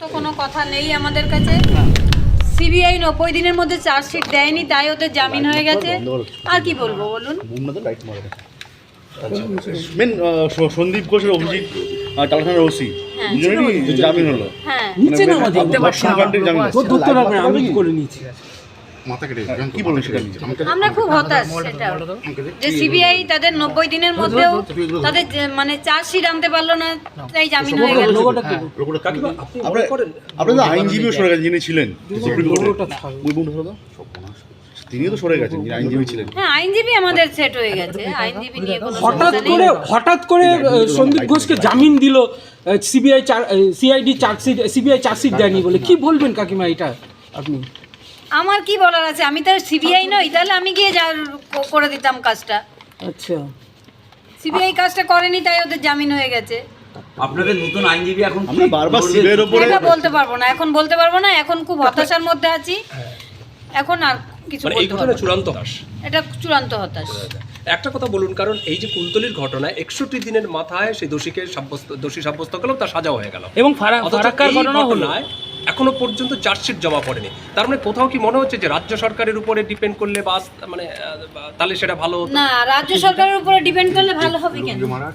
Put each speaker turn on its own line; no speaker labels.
তো কোনো কথা নেই আমাদের কাছে। সিবিআই 90 দিনের মধ্যে চার্জশিট দেয়নি, তাই ওদের জামিন হয়ে গেছে। আর কি বলবো বলুন।
মেন সন্দীপ ঘোষের অভিজিৎ টালাথানার ওসি দুজনেরই জামিন হলো।
হ্যাঁ,
নিচে না দেখতে পাচ্ছি না,
কাণ্ডের জামিন হলো।
ধরতে পারবে না, আমি করে নিয়েছি।
মাথা কেটে
কি বলবেন সেটা নিয়ে?
আমরা খুব হতাশ সেটা যে সিবিআই তাদের 90 দিনের মধ্যেও তাদের মানে চার্জশিট আনতে পারলো না, তাই জামিন হয়ে গেল।
আপনারা তো আইনজীবীও সরে গেছেন যিনি ছিলেন সুপ্রিম কোর্টে, তিনিও তো সরে গেছেন যিনি আইনজীবী ছিলেন।
হ্যাঁ, আইনজীবী আমাদের সেট হয়ে গেছে, আইনজীবী নিয়ে কোনো সমস্যা নেই।
হঠাৎ করে সন্দীপ ঘোষকে জামিন দিল সিবিআই চার্জশিট দেয়নি বলে। কি বলবেন কাকিমা এটা আপনি?
আমার কি বলার আছে, আমি তো সিবিআই নই, তাহলে আমি গিয়ে করে দিতাম কাজটা।
আচ্ছা,
সিবিআই কাজটা করেনি, তাই ওদের জামিন হয়ে গেছে।
আপনাদের নতুন আইনজীবী এখন
আমরা বারবার সিবিআই এর উপরে
এটা বলতে পারবো না, এখন বলতে পারবো না, এখন খুব হতাশার মধ্যে আছি। এখন আর কিছু
মানে এই
বলতে
ঘটনা
পারবো না।
চূড়ান্ত হতাশ।
এটা চূড়ান্ত হতাশ।
একটা কথা বলুন, কারণ এই যে কুলতলির ঘটনায় 61 দিনের মাথায় সেই দোষী সাব্যস্ত করলো, তার সাজাও হয়ে গেল।
এবং
অথচ
ফারাক্কার
এই
ঘটনা হলো,
ঘটনায় এখনো পর্যন্ত চার্জশিট জমা পড়েনি। তার মানে কোথাও কি মনে হচ্ছে যে রাজ্য সরকারের উপরে ডিপেন্ড করলে তাহলে সেটা ভালো হতো?
না, রাজ্য সরকারের উপরে ডিপেন্ড করলে ভালো হবে কেন?